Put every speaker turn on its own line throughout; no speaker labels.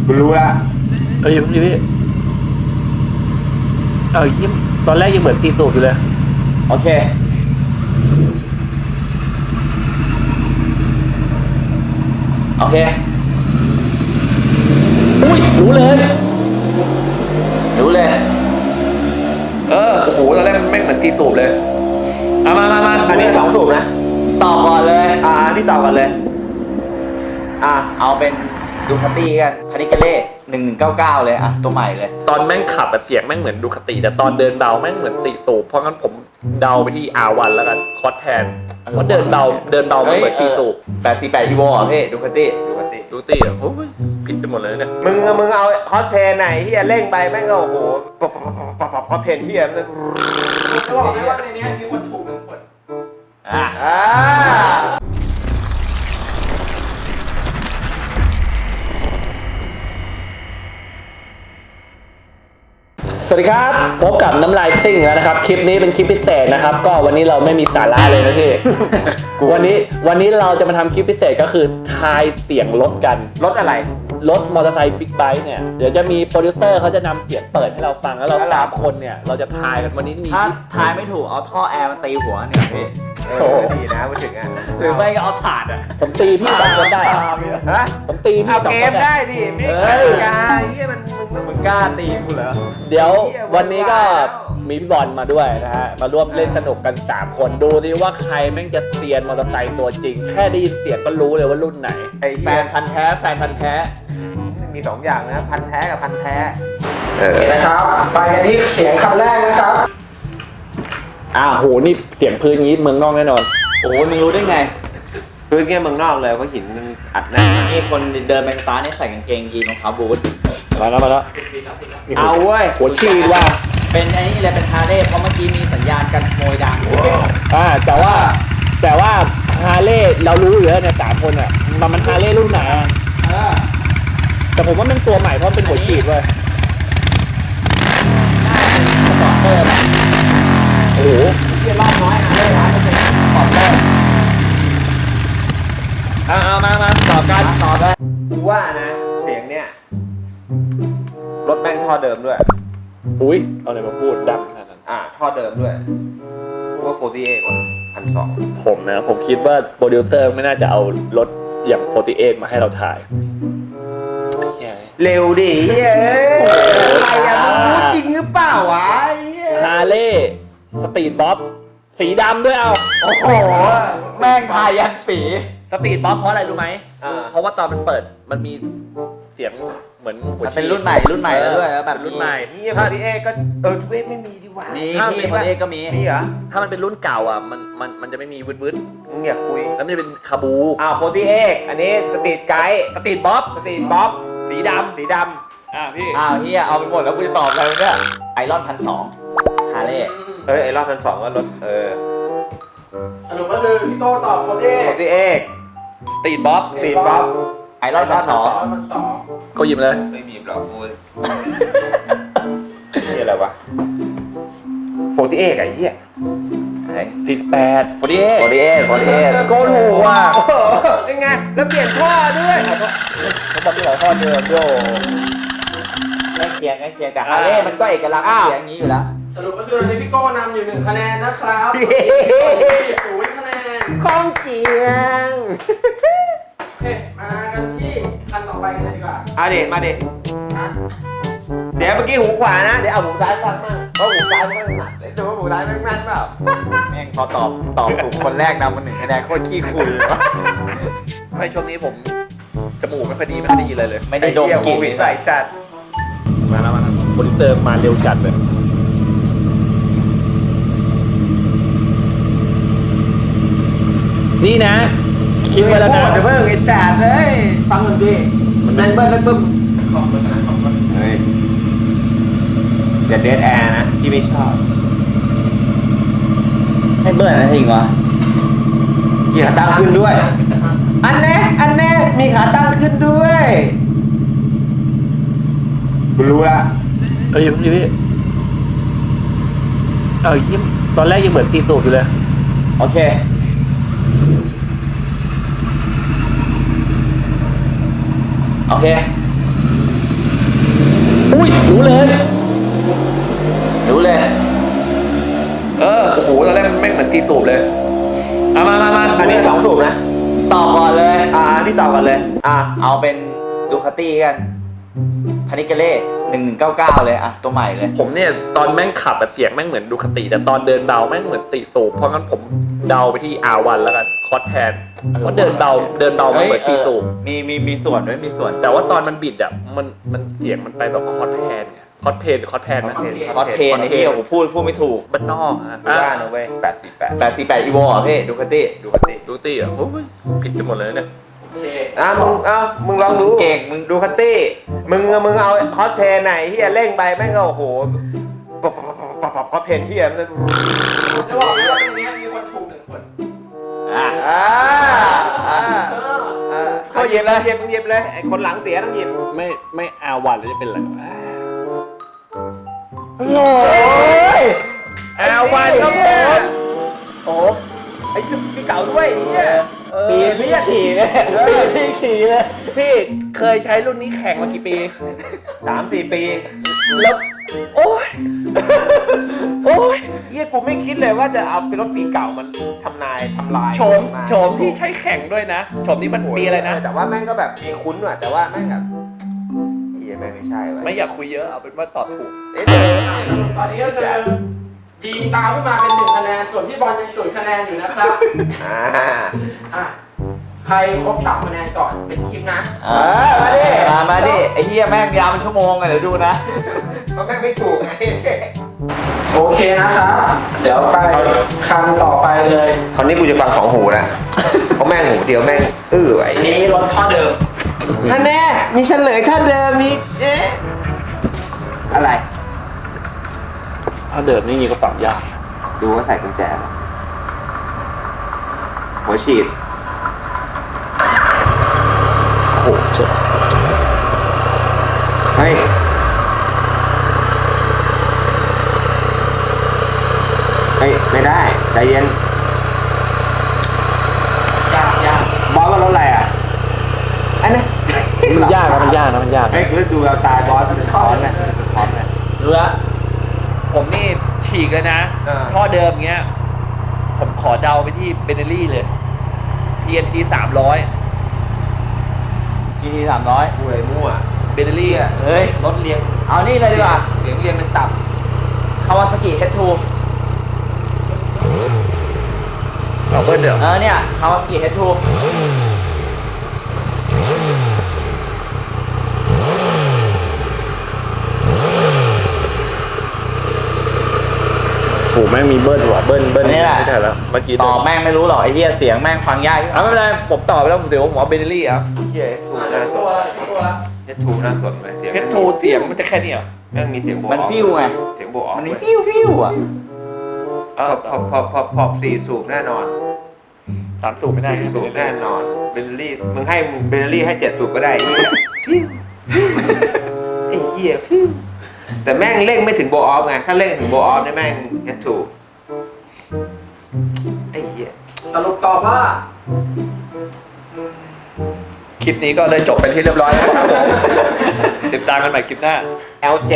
กูรู้ละ
พี่ยิ้มตอนแรกยังเหมือนซีสูบอยู่เลย
โอเค
อุ้ยรู้เลย
โอ้
โหตอนแรกมันไม่เหมือนซีสูบเลยมา
อันนี้2 สูบนะ
ตอบก่อนเลย
นี่ต่อกันเลย
เอาเป็นดูคาตี้กันพานิกาเล่1199เลยตัวใหม่เลย
ตอนแม่งขับเสียงแม่งเหมือนดูคติแต่ตอนเดินเบาแม่งเหมือนซีสูบเพราะงั้นผมเดาไปที่ R1 แล้วกันคอสแทนเพราะเดินเบาไม่เหมือนซีสูบ
848 Evo พี่ดูคาตี้
โอ้ยผิดไปหมดเลยเนี่ย
มึงเอาคอสเพนไหนเฮียเร่งไปแม่งก็โอ้โหคอสเพนเฮียมัน
จะบอกได้ว่าในนี้มีคนถูก1 คน
สวัสดีครับพบกับน้ำลายซิ่งแล้วนะครับคลิปนี้เป็นคลิปพิเศษนะครับก็วันนี้เราไม่มีสาระเลยนะพี่ วันนี้เราจะมาทำคลิปพิเศษก็คือทายเสียงรถกัน
รถอะไร
รถมอเตอร์ไซค์บิ๊กไบค์เนี่ยเดี๋ยวจะมีโปรดิวเซอร์เขาจะนำเสียงเปิดให้เราฟังแล้วเรา3 คนเนี่ยเราจะทายกันวันนี้มี
ถ้าทายไม่ถูกเอาท่อแอร์มาตีหัวเนี่ยพี่
ดีนะมาถึง
หรือไม่ก็เอาถาด
ผมตีพี่2 คนได้ผมตีพี่2 คน
เกมได้ดิไม่กล้าเฮีย
มึงกล้าตีกูเหรอ
เดี๋ยววันนี้ก็มีพี่บอลมาด้วยนะฮะมาร่วมเล่นสนุกกัน3 คนดูดิว่าใครแม่งจะเซียนมอเตอร์ไซค์ตัวจริงแค่ได้ยินเสียงก็รู้เลยว่ารุ่นไหน
แฟนพันธุ์แท้
มี2 อย่างนะพันธุ์แท้กับพันธุ์แท้
นะครับไปกันที่เสียงคันแรกนะครับ
โหนี่เสียงพื้นนี้เมืองนอกแน่นอน
โอ้มึงรู้ได้ไง
พื้นเงี้ยเมืองนอกเลยเพราะหินมันอัดแน่
นี่คนเดินไปสตาร์ทนี่ใส่กางเกงยีนรองเท้าบูท
มาแล้ว
เอาเว้ย
หัวชีดว่า
เป็นไอ้นี่เลยเป็นฮาร์เลย์เพราะเมื่อกี้มีสัญญาณกันขโมยดัง
แต่ว่าฮาร์เลย์เรารู้อยู่แล้วเนี่ย3 คนอ่ะมันฮาร์เลย์รุ่นไหนแต่ผมว่ามันตัวใหม่เพราะเป็นหัวฉีดเว้ยโอ้โห
เรียบร้อยน้อยเลยนะขอบเลย
มาต่อกัน
กูว่านะเสียงเนี้ยรถแม่งท่อเดิมด้วย
อุ้ยเอาอะไรมาพูดดังขนาดนั้น
ท่อเดิมด้วยว่า48กว่า1,200
ผมคิดว่าโปรดิวเซอร์ไม่น่าจะเอารถอย่าง48มาให้เราถ่าย
เร็วดิอะไรพูดจริงหรือเปล่าวะ
ฮาร์เลย์สตรีทบ๊อบสีดำด้วย
โอ้โหแม่งทายันปี
สตรีทบ๊อบเพราะอะไรรู้ไหมเพราะว่าตอนมันเปิดมันมีเสียงเหมือน
เป็นรุ่นใหม่แล้วด้วยแบบ
รุ่นใหม่
นี่พอดีเอก็ทุเอไม่มีดีกว่า
ถ้ามีพอดีเอก็มี
นี่เหรอ
ถ้ามันเป็นรุ่นเก่ามันจะไม่มีวืด
มึงอยากคุย
แล้วมันจะเป็นคาบู
โพตี้เอกอันนี้สตรีทไกด์
สตรีทบ๊อบ
สีดำ
พี่เฮียเอาไปหมดแล้วกูจะตอบอะไรเนี่ยไอรอน1,200ฮาร์เลย์
ไอรอน1,200ก็รถ
สรุปก็คือพี่โต้ตอบโพ
ตี้เอก
สตรีทบ๊อบ
ไอรอน
1,200เขาหยิบเลย
ไม่หยิบหรอกกูนี่อะไรวะ48ไอ้เหี้ย
48
48
โกถูกว่ะ
ยังไงแล้วเปลี่ยนท่อด้วย
เขาบอกที่ท่อเดิมโย
ใกล้เคียงแต่ฮาร์เลย์มันก็เอกลักษณ์เสียงอย่างนี้อยู่แล้ว
สรุปก็คือตอนนี้พี่โก้นำอยู่1 คะแนนนะครับ0 คะแนน
ข้องเจียง
โอเคมากันที่คันต่อไปกันเลยดีกว่า
มาดิเดี๋ยวเมื่อกี้หูขวานะเดี๋ยวเอาหูซ้ายฟังมากเพราะหูซ้ายมันหนักเลยแต่ว่าหูซ้ายแม่งแม่นเปล่า
แม่งพอตอบถูกคนแรกนำมา1 คะแนนโคตรขี้คุย
ไม่ช่วงนี้ผมจมูกไม่ค่อยดีเลย
ไม่ได้ดมกลิ่น
ใส่จัด
มาแล้วโปรดิวเซอร์มาเร็วจัดเลยนี่นะคิดไว้แล้วนะ
เดี๋ยวเพิ่งไอ้จัดเลยฟังมันดิมันแม่งเบิ้ลแล้วปึ้มเฮ้ยอย่าเดดแอร์นะที่ไม่ชอบ
ให้เบิ้ลอะไรจริงวะ
มีขาตั้งขึ้นด้วยอันแน่มีขาตั้งขึ้นด้วยกูรู้ละ
พี่ยิ้มตอนแรกยังเหมือนซีสูบอยู่เลย
โอเค
อุ้ยรู้เลย
รู้เลย
โอ้โหตอนแรกมันแม่งเหมือนซีสูบเลยมา
อันนี้2 สูบนะ
ตอบก่อนเลย
พี่ต่อกันเลย
เอาเป็นดูคาตี้กันพานิเกเล่1199เลยอะตัวใหม่เลย
ผมเนี่ยตอนแม่งขับเสียงแม่งเหมือนดูคาติแต่ตอนเดินเบาแม่งเหมือนซีสูบเพราะงั้นผมเดาไปที่ R1 แล้วกันคอสแทนเพราะเดินเบามันเหมือนซีสูบ
มีส่วนด้วยมีส่วน
แต่ว่าตอนมันบิดอ่ะมันเสียงมันไปแบบคอสแทนไงคอสเพนหรือคอสแทนนะ
คอสเพนไอ้เหี้ยผมพูดไม่ถูก
บ้านนอกฮะ
ดูว่านะเว้ย
848 Evo อ่ะพี่ดูคาตี้
ดูกันดิ
ดูตี้อ่ะโอ้ยผิดกันหมดเลยเนี่ย
มึงลองดู
เก่งมึง
ดูคัตตี้มึงเอาคอสเพนไหนที่เร่งไปแม่งก็โอ้โหคอสเพนที่มัน
จะบอกเลยว่าตรงนี้มีคนถูก1 คน
ก็เย็บเลยไอ้คนหลังเสียต้องหยิบ
ไม่R1แล้วจะเป็นอะไรวะ
โอ้ย
R1 ครับผม
โอ้ไอ้พี่เก่าด้วยเนี่ย
ปีพี่ขี่เลยพี่ขี่เลย
พี่เคยใช้รุ่นนี้แข่งมากี่ปี
3-4 ปี
แล้วโอ้ย
กูไม่คิดเลยว่าจะเอาเป็นรถปีเก่ามันทำลาย
โฉมที่ใช้แข่งด้วยนะโฉมนี้มันปีอะไรนะ
แต่ว่าแม่งก็แบบมีคุ้นว่ะแต่ว่าแม่งแบบแม่งไม่ใช่ว่ะ
ไม่อยากคุยเยอะเอาเป็นว่าตอบถูก
ตอนนี้ก็คือจีนตามขึ้นมาเป็น1 คะแนนส่วนพี่บอลยัง0 คะแนนอยู่นะครับใครครบ3 คะแนนก่อนเป็นคลิปนะ
มาดิไอ้เหี้ยแม่งยาวเป็นชั่วโมงเลยเดี๋ยวดูนะ
เพราะแม่งไม่ถูกไง
โอเคนะครับ เดี๋ยวไปคันต่อไปเลย
คราวนี้กูจะฟัง2 หูนะเพราะแม่งหูเดียวแม่งไว้
อันนี้รถท่อเดิม
ท่านแน่มีเฉลยท่านเดิมมีอะไร
ถ้าเดิมนี่ยิงก็ฝังยาก
ดูว่าใส่กุญแจหัวฉีด
โอ้โหเจ๋ง
เฮ้ยไม่ได้ใจเย็น
ยาก
บอสว่ารถอะไรอันนี้
มันยากนะมันยาก
เฮ้ยคือดูแววตาบอสมันถอนนะ
รู้ละ
ผมนี่ฉีกเลยนะท่อเดิมเงี้ยผมขอเดาไปที่เบเนลี่เลย TNT
ทีนี้300
กูเลยมั่ว
เบเนลี่
เฮ้ย
รถเรียง
เอานี่เลยดีกว่า
เสียงเรียงเป็นตับ
คาวาซากิ H2
เอาเบิ้ลเดี๋ยว
เนี่ยคาวาซากิ H2
โอ้แม่งมีเบิ้ลว่ะเบิ้ล
นี่แหละ
ไม่ใช่แล้วเมื่อกี้
ตอบแม่งไม่รู้หรอกไอ้เหี้ยเสียงแม่งฟังยาก
ไม่เป็นไรผมตอบไปแล้วผมถือว่าผมเอาเบเนลี่อ่ะ
เฮ้ยถูก
ๆ
น่าส
ตั
น
วตัวละ
ถูกน่าสนเลยเสียง
เพชรทูเสียงมันจะแค่นี้เหรอ
แม่งมีเสียงโบ
มันฟิวไง
เสียงโบออก
มันมีฟิวอ่ะ
พอ4 สูบแน่นอน
3 สูบไม่ได้
4 สูบแน่นอนเบลลี่มึงให้เบลลี่ให้7 สูบก็ได้ไอ้เหี้ยฟิวไอ้เหี้ยฟิวแต่แม่งเร่งไม่ถึงโบออฟไงถ้าเร่งถึงโบออฟเนี่ยแม่งจะถูกไอ้เหี้ย
สรุปตอบว่า
คลิปนี้ก็ได้จบเป็นที่เรียบร้อยแล้วครับผมติดตามกันใหม่คลิปหน้า
L7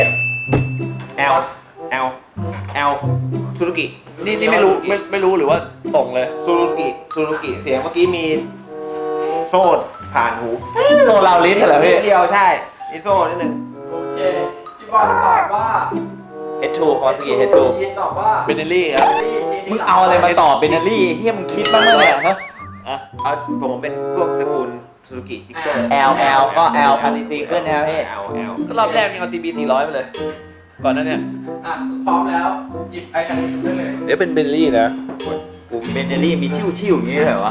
L ซูซูกิ
นี่ไม่รู้หรือว่าส่งเลย
ซูซูกิเสียงเมื่อกี้มีโซ่ผ่านหู
โซลาวลิสเหรอพี่
เดียวใช่มีโซ่นิดนึง
โอเคพี่บอลตอบว่า
H2 คาวาซากิ H2
ยินตอบว่า
เบเนลี่ครับ
มึงเอาอะไรมาตอบเบนเนอรี่เฮียมึงคิดบ้างไหมเนี่ยฮะ
อ่ะ
เอาผมเป็นพวกตระกูลซูซูกิจิ๊กเซอร์
L ก็ L 1000cc ขึ้นนะพี่
L
ก็รอบแรกยังเอา CB 400ไปเลย ก่อนนั้นเนี่ย
พร้อมแล้วหยิบไอคันนี้ได้เลย
เดี๋ยวเป็นเบเนลี่นะ
เบนเนอรี่มีชิวๆอย่างนี้เหรอวะ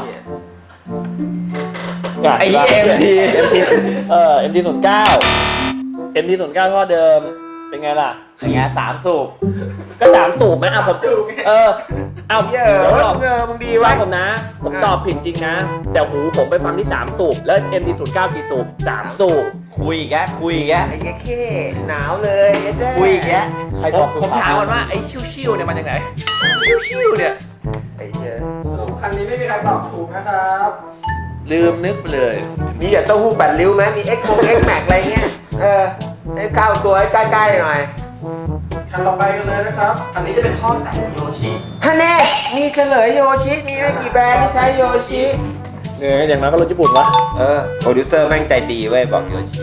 อยาก
ไอ้ MT
MT09 MT09 ท่อเดิมเป็นไงล่ะ
อย่างเงี้ย3 สูบ
ก็3 สูบไหมอ่ะผมเอา
เย
เดี๋ยว
อะ
ตอบ
มึงดี
ฟั
วะ
งผมนะ ผมตอบผิดจริงนะ แต่หูผมไปฟังที่ 3 สูบ แล้ว MT09 กี่สูบ 3 สูบ
คุยอีกแกคุยอีกแก
ไอ้แค่หนาวเลยไอ้เจ้
คุยอีกแกใครตอบถูก
ผมถามมันว่าไอ้ชิวๆเนี่ยมันยังไงชิวๆเนี่ย
ไอ้เจ้
คันนี้ไม่มีใครตอบถูกนะครับ
ลืมนึกไปเลย
มีอย่าเต้าหู้8 ริ้วไหมมี X Max อะไรเงี้ยไม่เข้าตัวใกล้ๆหน่อย
คันต่อไปกันเลยนะครับคันนี้จะเป็นท่อแต่งโยชิ
ฮะแน่มีเฉลยโยชิมีไม่กี่แบรนด์ที่ใช้โยชิ
เนี่ยอย่างนั้นก็รถญี่ปุ่นวะ
โปรดิวเซอร์แม่งใจดีเว้ยบอกโยชิ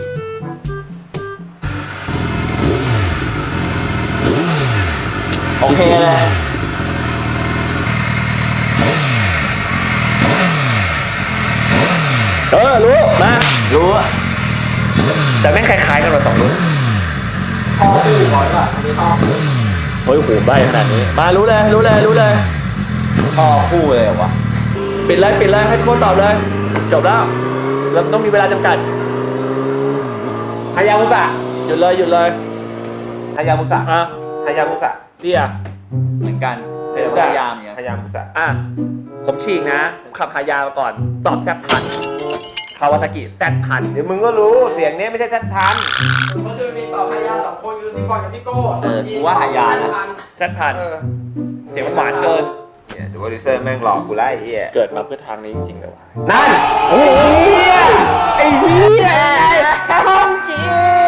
โอเคเลย
รู้มา
รู้อะ
แต่แม่งคล้ายๆกันมา2รุ่น
ท่อคู่ก่อนก่อนอันนี้ท่อคู่
โอ้ยโหใบขนาดนี้มารู้เลย
ท่อคู่เลยเหรอวะ
ปิดเลยให้ทุกคนตอบเลยจบแล้วเราต้องมีเวลาจำกัด
ฮายามุสะ
หยุดเลย
ฮายามุสะ
อ่ะ
ฮายามุสะ
เดีย
เหมือนกันพยายามอย่าง
ฮายามุสะ
อ่ะผมฉีกนะผมขับฮายามาก่อนตอบแซดพันคาวาซากิแซดพัน
เดี๋ยวมึงก็รู้เสียงนี้ไม่ใช่ชัดทัน
ก็คือมีต่อพยา2คนคือพี่บอลกับพี่โก้
กูว่าหายานะ
แซดพันเสียงมันหวานเกิน
เนี่ยดูโปรดิวเซอร์แม่งหลอกกูไล่ไอ้เหี้ย
เกิดมาเพื่อทางนี้จริงๆเลยวะ
นั่นไอ้เหี้ยไอ้เหี้ยห้องจี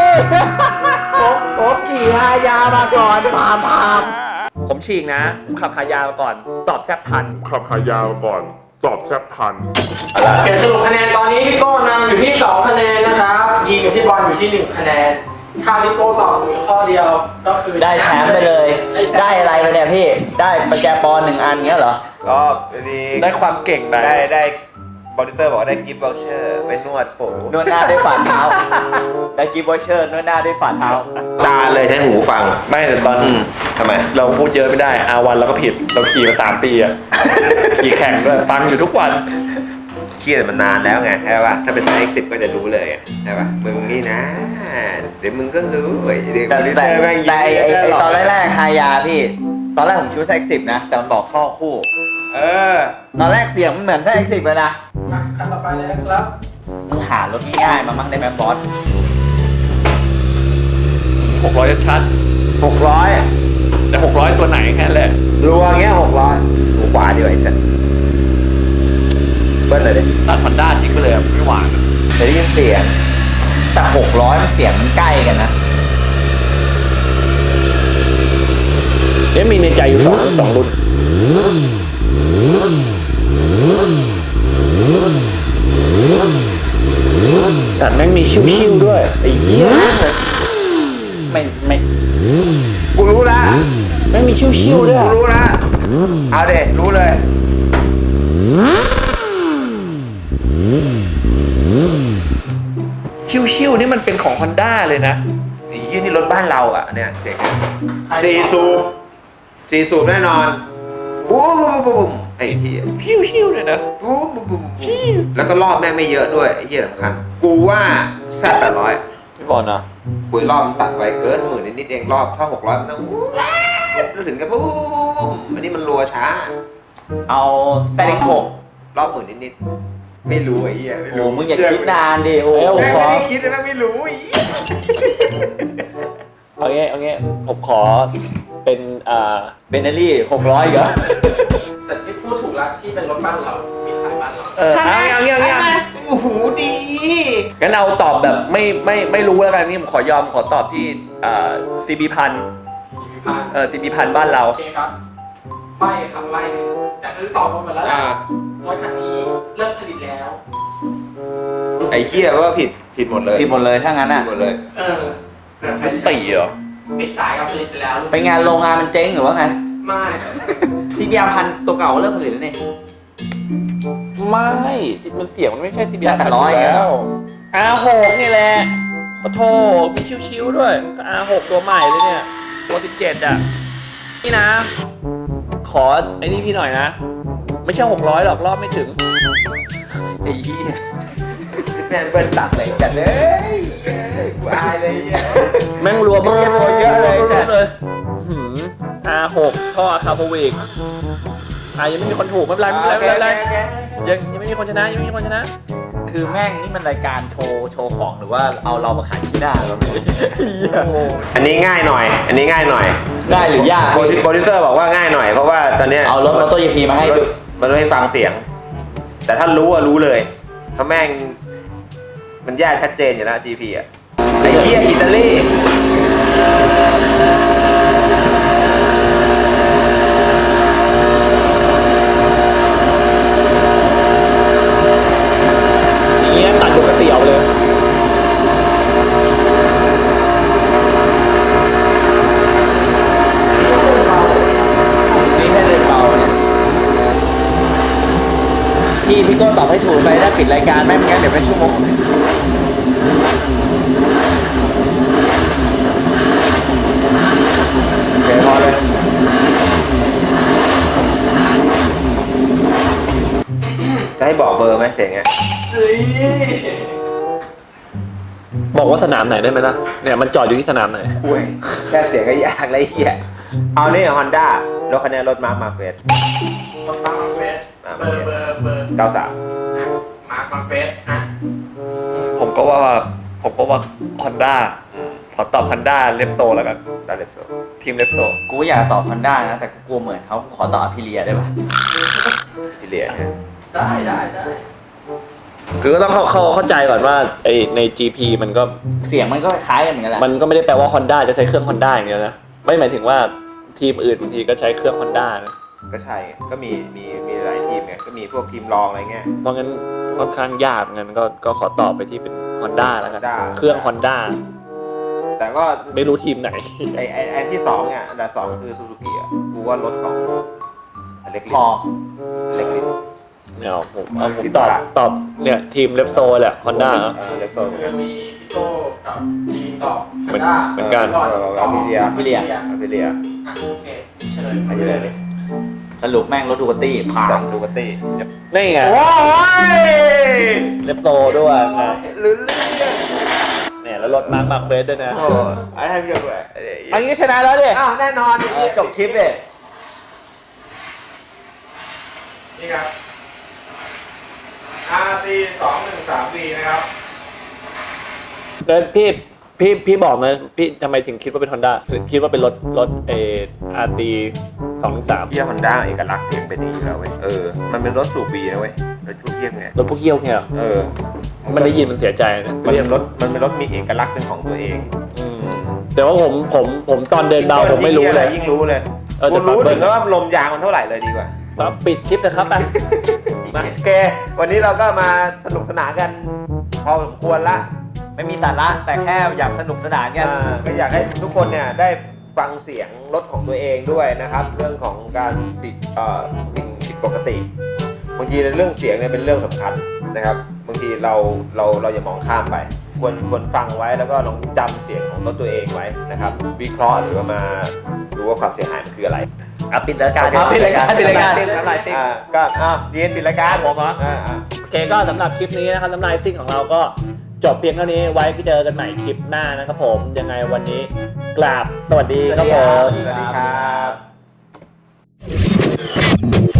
ผมขี่ฮายามาก่อนพาม
ผมฉีกนะผมขับฮายามาก่อนตอบแซดพัน
ขับหายาวก่อนตอบแซบพัน
เขียนสรุปคะแนนตอนนี้พี่โก้นำอยู่ที่2คะแนนนะครับยีกับพี่บอลอยู่ที่1คะแนนถ้าพี่โก้ตอบถูกข้อเดียวก็คือ
ได้แชมป์ไปเลย ได้อะไรไปเนี่ยพี่ ได้ประแจปอน1อันเงี้ยเหรอ
ก็ดี
ได้ความเก่งไป
ได้โปรดิวเซอร์บอกว่าได้กิฟต์วอลเชอร์ไปนวดผม
นวดหน้าด้วยฝ่าเท้า ได้กิฟต์วอเชอร์นวดหน้าด้วยฝ่าเท้า
ตาเลยใช้หูฟัง
ไม่แต่ตอน
ทำไม
เราพูดเยอะไม่ได้อาวันเราก็ผิดเราขี่มา3 ปีอะขี่แข่งด้วยฟังอยู่ทุกวัน
เชี่ยมันนานแล้วไงใช่ป่ะถ้าเป็นไซส์10ก็จะรู้เลยอะใช่ป่ะมึงนี่นะ เดี๋ยวมึงก็รู้เว้ยเดี๋ยว
แต่
โปรดิว
แต่
เซอร์แม่งยิ้ม
แต่ไอ้
ตลอด
ตอนแรกๆฮายาพี่ ตอนแรกผมคิดว่าX10นะ แต่มันบอกท่อคู่ ตอนแรกเสียงมันเหมือนX10เลยนะ
คันต่อไปเลยนะครับ
มึงหารถง่ายๆมามั่งได้ไหมบอส
600ชัด
600
แต่600ตัวไหนแค่นั้นแหละ
รัวเงี้ย600หูขวาดีกว่าไอ้สัสเบิ้ลเลยดิ
ตัดฮอนด้าทิ้งไปเลยอะไม่หวานอะ
จะได้ยินเสียง
แต่600มันเสียงมันใกล้กันนะ
มีในใจอยู่สองรุ่นสัตว์แม่งมีชิวๆด้วยไอ้เหี้ย
ไม่
กูรู้ละ
แม่งมีชิวๆด้วย
กูรู้ละเอาเด็รู้เลย
ชิวๆนี่มันเป็นของฮอนด้าเลยนะ
ไอ้ยี่นี่รถบ้านเราอ่ะเนี่ยเสียงสี่สูบแน่นอนบูมบูมบูมไอ้เหี้ย
ชิวๆเลยนะ
บูมบูมบูมแล้วก็รอบแม่งไม่เยอะด้วยไอ้เหี้ยสำคัญกูว่าแซด800
พี่บอลนะ
คุยรอบมันตัดไว้เกิน10,000นิดๆเองรอบถ้า600มันต้องแล้วถึงกับบูมอันนี้มันรัวช้า
เอาZ6
รอบ10,000นิดๆไม่รู้ไอ้เหี้ยไม่
โอ้
รู้
มึงอย่าคิดนานดิโอ้
แม่งไม่ได้คิดเลยแม่งไม่รู้ไอ้เหี้ย
เอางี้ผมขอเป็น
เบนเนอรี่600เหรอ
แต่ที่พูดถูกแล้วที่เป็นรถบ้านเรา มีขายบ้านเรา
เอางี้
โอ้โหดี
งั้นเอาตอบแบบไม่รู้แล้วกันนี่ผมขอตอบที่CB พัน
มีพาน
CB พันบ้านเรา
โอเคครับไฟคำไล่แต่คือตอบมาหมดแล้วแหละรถคันนี้เลิกผลิตแล้ว
ไอ้เหี้ยว่าผิดหมดเลย
ผิดหมดเลยถ้างั้น
ผิ
อ่ะ
ดหมดเลย
ใคร
ตีเหรอ
ปิดสายกับผลิตไปแล้ว
ไปงานโรงงานมันเจ๊งหรือว่าไง
ไม่
CBR พันตัวเก่าเริ่มผลิตแล้วนี่
ไม่มันเสียงมันไม่ใช่ CB พัน
800
แล้ว R6 นี่แหละโอ้โธ่มีชิวๆด้วยก็ R6 ตัวใหม่เลยเนี่ยตัว17อ่ะนี่นะ ขอไอ้นี่พี่หน่อยนะ ไม่ใช่600หรอกรอบไม่ถึง
ไอ้เหี้ยแม่งเบิ้ลตัดเลยจัดเลยกูอายเลยไอ้เหี้ย
แม่งรัว
เยอะเลย
เลยR6 ท่อคาร์บวิกยังไม่มีคนถูกไม่เป็นไรไม่เป็นไรยังไม่มีคนชนะยังไม่มีคนชนะ
คือแม่งนี่มันรายการโชว์ของหรือว่าเอาเรามาขายที่หน้าเรา
อันนี้ง่ายหน่อย
ได้หรือยาก
โปรดิวเซอร์บอกว่าง่ายหน่อยเพราะว่าตอนเนี้ย
เอารถมอเตอร์ยีพีมาให้ดู
มันไม่ฟังเสียง แต่ถ้ารู้อะรู้เลยเพราะแม่งมันแยกชัดเจนอยู่แล้ว GP อะไอ้เหี้ยอิตาลี
อย่างเงี้ยตัดปกติออกเลย
นี่แค่เดินเบาเนี่ยพี่โก้ตอบให้ถูกไปถ้าปิดรายการไม่งั้นเดี๋ยวเป็นชั่วโมงโอเคพอเลย
จะให้บอกเบอร์ไหมเสียงอ่ะ
บอกว่าสนามไหนได้ไหมล่ะ เนี่ยมันจอดอยู่ที่สนามไหน
อุ้ยแค่เสียงก็ยากเลยไอ้เหี้ยเอานี่ฮอนด้ารถคันนี้รถมาร์เฟส
รถตั้งมาเฟสเบอร์
93
มาร์คมาเฟสอ่ะ
ผมก็ว่าฮอนด้าขอตอบฮอนด้าเลฟโซแล้วกัน
ดาเลปโซ
ทีมเลฟโซ
กูอยากตอบ Honda นะแต่กูกลัวเหมือนเขากูขอตอบอภิเลียได้ปะ
อิเลียนะ
ได้
คือก็ต้องเข้าใจก่อนว่าไอใน GP มันก็
เสียงมันก็คล้ายกันเหมือนกันแหละ
มันก็ไม่ได้แปลว่า Honda จะใช้เครื่อง Honda อย่างเดียวนะ ไม่หมายถึงว่าทีมอื่นบางทีก็ใช้เครื่อง Honda นะ
ก็ใช่ไงก็มีหลายทีมไงก็มีพวกทีมรองอะไรเงี้ย
เพราะงั้นค่อนข้างยากงั้นก็ขอตอบไปที่เป็น Honda แล้วกัน
Honda
เครื่อง Honda
แต่ก็
ไม่รู้ทีมไหน
ไอ้ที่สองเนี่ยอันดับสองคือซูซูกิอ่ะกูว่ารถของเล็กลิ
พอ
เล็กลิ
เนี่ยผมตอบเนี่ยทีมเลฟโซแหละ Honda เนอะ
เล็กโซเหมือน
คื
กั
อน มีพี่โก้กับยีนตอบ
เหมือนกัน
อภิเลีย
อภิเลีย
อภิเลีย
อ่ะโอเคเฉลย
อันนี้เลย
สรุปแม่งรถดูกาตี้ผ่า
สอน งดูกาตี้
นี่ไง
โอ้ย
เลฟโซด้วยนะ
ลืม
เนี่ยแล้วรถมาร์คเฟสด้วยนะ
โอ้อะไรให้พี่ด้วย
อันนี้ชนะแล้วดิ
อ้าวแน่นอน
จบคลิปเลย
นี่ครับ RT 213V นะครับ
แล้วพี่บอกนะพี่ทำไมถึงคิดว่าเป็น Honda คิดว่าเป็นรถRC 213
เยี่ยฮอนด้าเอกลักษณ์เสียงเป็นอย่างนี้อยู่แล้วเว้ยมันเป็นรถสูบบีนะเว้ยรถพวกเยี่ยงไง
รถพวกเยี่ยวเนี่ยเหรอ มันได้ยินมันเสียใจนะ
มันเป็นรถมีเอกลักษณ์เป็นของตัวเอง
อืมแต่ว่าผมตอนเดินเบาผมไม่รู้เลย
ยิ่งรู้เลย
จะ
กูรู้
ปรับ
ถึงว่าลมยางมันเท่าไหร่เลยดีกว่า
มาปิดคลิปนะครับไป มา
โอเค วันนี้เราก็มาสนุกสนานกันพอสมควรละ
ไม่มีสาระแต่แค่อยากสนุกสนานกัน
ก็อยากให้ทุกคนเนี่ยได้ฟังเสียงรถของตัวเองด้วยนะครับ เรื่องของการสิ่งผิดปกติบางทีเรื่องเสียงเนี่ยเป็นเรื่องสำคัญนะครับบางทีเราอย่ามองข้ามไปควรฟังไว้แล้วก็ลองจำเสียงของรถตัวเองไว้นะครับ วิเคราะห์หรือว่ามาดูว่าความเสียหายมันคืออะไร
ปิดรายการ
ปิดรายการ
น้ำลายซิ่ง
ก็ยืนปิดรายการ
ผมเหรอ โอเคก็สำหรับคลิปนี้นะครับน้ำลายซิ่งของเราก็จบเพียงเท่านี้ไว้ไปเจอกันใหม่คลิปหน้านะครับผมยังไงวันนี้กราบสวัสดีครับผม
สวัสดีครับ